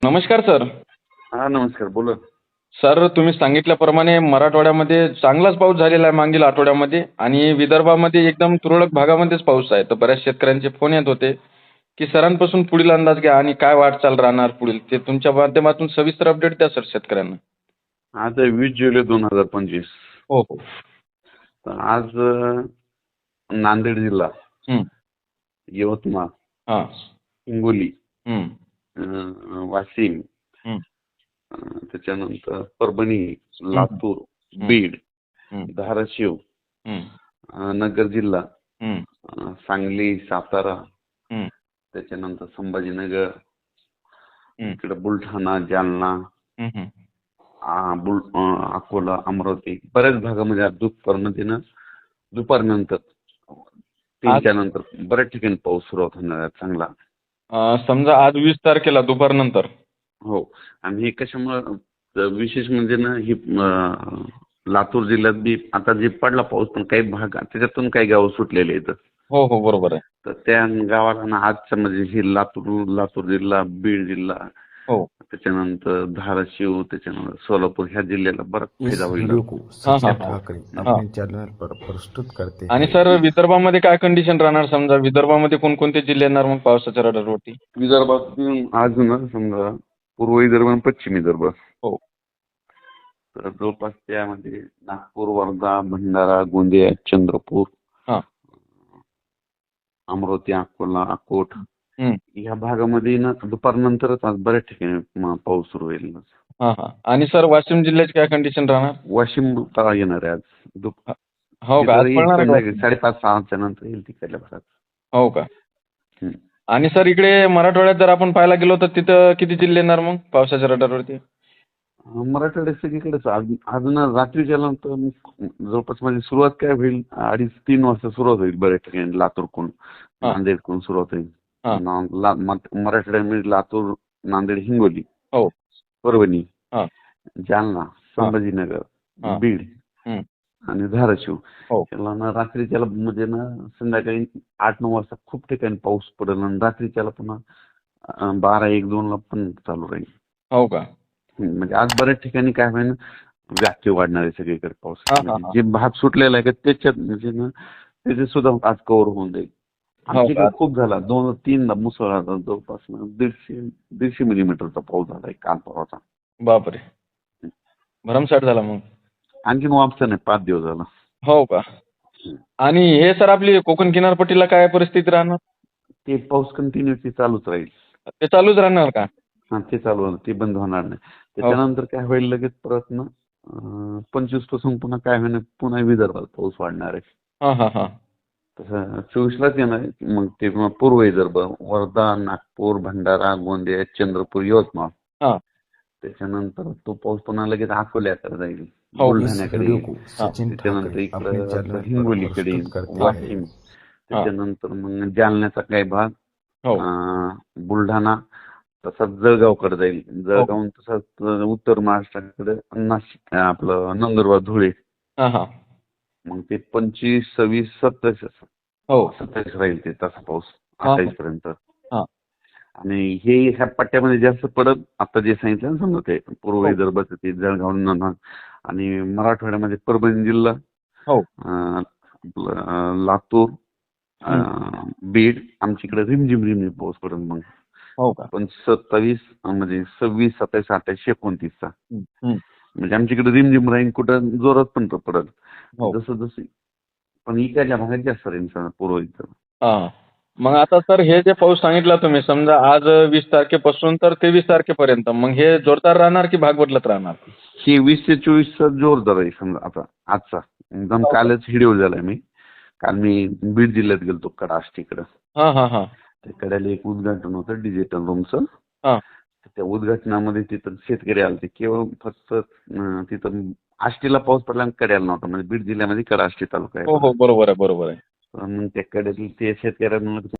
नमस्कार सर. हा नमस्कार, बोला. सर, तुम्ही सांगितल्याप्रमाणे मराठवाड्यामध्ये चांगलाच पाऊस झालेला आहे मागील आठवड्यामध्ये आणि विदर्भामध्ये एकदम तुरळक भागामध्येच पाऊस आहे. तर बऱ्याच शेतकऱ्यांचे फोन येत होते की सरांपासून पुढील अंदाज घ्या आणि काय वाटचाल राहणार पुढील, ते तुमच्या माध्यमातून सविस्तर अपडेट द्या सर शेतकऱ्यांना. आज आहे 20 जुलै 2025. हो हो. तर आज नांदेड जिल्हा, हं. यवतमाळ, हां. हिंगोली, हं. वाशिम, हं. त्याच्यानंतर परभणी, हं. लातूर, हं. बीड, हं. धाराशिव, हं. नगर जिल्हा, हं. सांगली, सातारा, हं. त्याच्यानंतर संभाजीनगर, हं. इकडे बुलढाणा, जालना, हं. हं. अकोला, अमरावती, बऱ्याच भागामध्ये आज दुपारनंतर आज 3च्या नंतर बऱ्याच ठिकाणी पाऊस सुरुवात होणार आहे चांगला. समजा आज 20 तारखेला दुपारनंतर. हो. आणि हे कशामुळं विशेष म्हणजे ना, ही लातूर जिल्ह्यात बी आता जे पडला पाऊस, पण काही भाग त्याच्यातून काही गावं सुटलेले आहेत. हो हो, बरोबर आहे. तर त्या गावाला ना आजच्या म्हणजे ही लातूर जिल्हा, बीड जिल्हा, हो. त्याच्यानंतर धाराशिव, त्याच्यानंतर सोलापूर ह्या जिल्ह्याला बराच इस फायदा होईल. वीडियो को हां सचिन हां हां. ठाकरे हां. अपने चैनल पर प्रस्तुत करते आणि हैं। सर, विदर्भामध्ये काय कंडिशन राहणार? समजा विदर्भामध्ये कोणकोणते जिल्हे येणार मग पावसाच्या रडारवरती? विदर्भातून आज ना समजा पूर्व विदर्भ आणि पश्चिम विदर्भ, हो. तर जवळपास त्यामध्ये नागपूर, वर्धा, भंडारा, गोंदिया, चंद्रपूर, हां. अमरावती, अकोला, अकोट हं. या भागामध्ये ना दुपारनंतरच आज बऱ्याच ठिकाणी पाऊस सुरू होईल. हां हां. आणि सर, वाशिम जिल्ह्याची काय कंडिशन राहणार? वाशिम तळा येणार आहे आज. ह हो का? आज तिथं येईल पडणार आहे का संध्याकाळी वाशिम? 5:30-6च्या नंतर येईल तिकडल्या भागात. हो का? हं. आणि सर, इकडे मराठवाड्यात जर आपण पाहायला गेलो तर तिथं किती जिल्हे येणार मग पावसाच्या रडारवरती? मराठवाड्यात सगळीकडेच आज ना रात्रीच्या नंतर जवळपास म्हणजे सुरुवात काय होईल, 2:30-3 वाजता सुरुवात होईल बऱ्याच ठिकाणी. लातूरकडून, हां. नांदेडकडून सुरुवात होईल. हां. मराठवाड्यामध्ये लातूर, नांदेड, हिंगोली, हो. परभणी, हां. जालना, हां. संभाजीनगर, हां. बीड हं. आणि धाराशिव हो. याला ना रात्रीच्याला म्हणजे ना संध्याकाळी 8-9 वाजता खूप ठिकाणी पाऊस पडेल आणि रात्रीच्याला पुन्हा 12-1-2 ला पण चालू राहील. हो का? म्हणजे आज बऱ्याच ठिकाणी काय होईल, व्याप्ती वाढणार आहे सगळीकडे पाऊस. हां हां म्हणजे हां. जे भाग सुटलेला आहे का त्याच्यात म्हणजे ना त्याचे सुद्धा आज कव्हर होऊन जाईल. हो आमच्या का? इकडे खूप झाला, 2-3दा मुसळधार जवळपास ना 150 मिलीमीटरचा पाऊस झाला काल परवाचा. बापरे! भरमसाठ झाला मग. आणखीन वापसा नाही, 5 दिवस झाला. हो का? आणि हे सर, आपली कोकण किनारपट्टीला काय परिस्थिती राहणार? ते पाऊस कंटिन्युअसली चालूच राहील. ते चालूच राहणार का? हा, ते चालू होणार, ते बंद होणार नाही. हो. त्याच्यानंतर काय होईल, लगेच परत ना 25 पासून पुन्हा काय होईल, पुन्हा विदर्भात पाऊस वाढणार आहे. हां हां हां. तसं 24लाच येणार आहे. मग ते पूर्व विदर्भ, वर्धा, नागपूर, भंडारा, गोंदिया, चंद्रपूर, यवतमाळ. हां. त्याच्यानंतर तो पाऊस पुन्हा लगेच अकोल्याकडे जाईल, हो. इस बुलढाण्याकडे वीडियो येईल, को सचिन त्याच्यानंतर ठाकरे अपने इकडं चैनल पर हिंगोलीकडे येईल, प्रस्तुत करते हैं। वाशिम, त्याच्यानंतर मग जालन्याचा काही भाग, हो. बुलढाणा, तसंच जळगावकडे जाईल, हो. जळगावून तसंच उत्तर महाराष्ट्राकडे नाशिक, आपलं नंदुरबार, धुळे. हां हां. मग ते 25, 26, 27 हो. 27 राहील ते तसा पाऊस हां 28 पर्यंत. हां. आणि हे ह्या पट्ट्यामध्ये जास्त पडत, आता जे सांगितलं ना समजा ते पूर्व हो. विदर्भाचं ते जळगाव आणि मराठवाड्यामध्ये परभणी जिल्हा, हो. आपलं लातूर, बीड, आमच्याकडे रिमझिम पाऊस पडेल मग. हो का? पण 27 म्हणजे 26, 27, 28, 29चा हं. हं. म्हणजे आमच्याकडे रिमझिम राहील, कुठं जोरात पण पडेल. हो. जसं पण इकडच्या भागात जास्त राहील पूर्व विदर्भ. हां. मग आता सर, हे जे पाऊस सांगितला तुम्ही, समजा आज 20 तारखेपासून तर 23 तारखेपर्यंत, मग हे जोरदार राहणार की भाग बदलत राहणार? हे 20 ते 24चा जोरदार आहे समजा. आता आजचा एकदम हो का? कालच व्हिडिओ झालाय मी. काल मी बीड जिल्ह्यात गेलतो, कडाष्टीकडं. हां हां हां. त्या कड्याला एक उद्घाटन होतं डिजिटल रूमचं. हां. त्या उद्घाटनामध्ये तिथं शेतकरी आले. केवळ फक्त तिथं आष्टीला पाऊस पडला आणि कड्याला नव्हता. म्हणजे बीड जिल्ह्यामध्ये कडाष्टी तालुका आहे हो बघा. हो, बरोबर आहे, बरोबर आहे. मग त्या कड्यातील ते शेतकऱ्यांना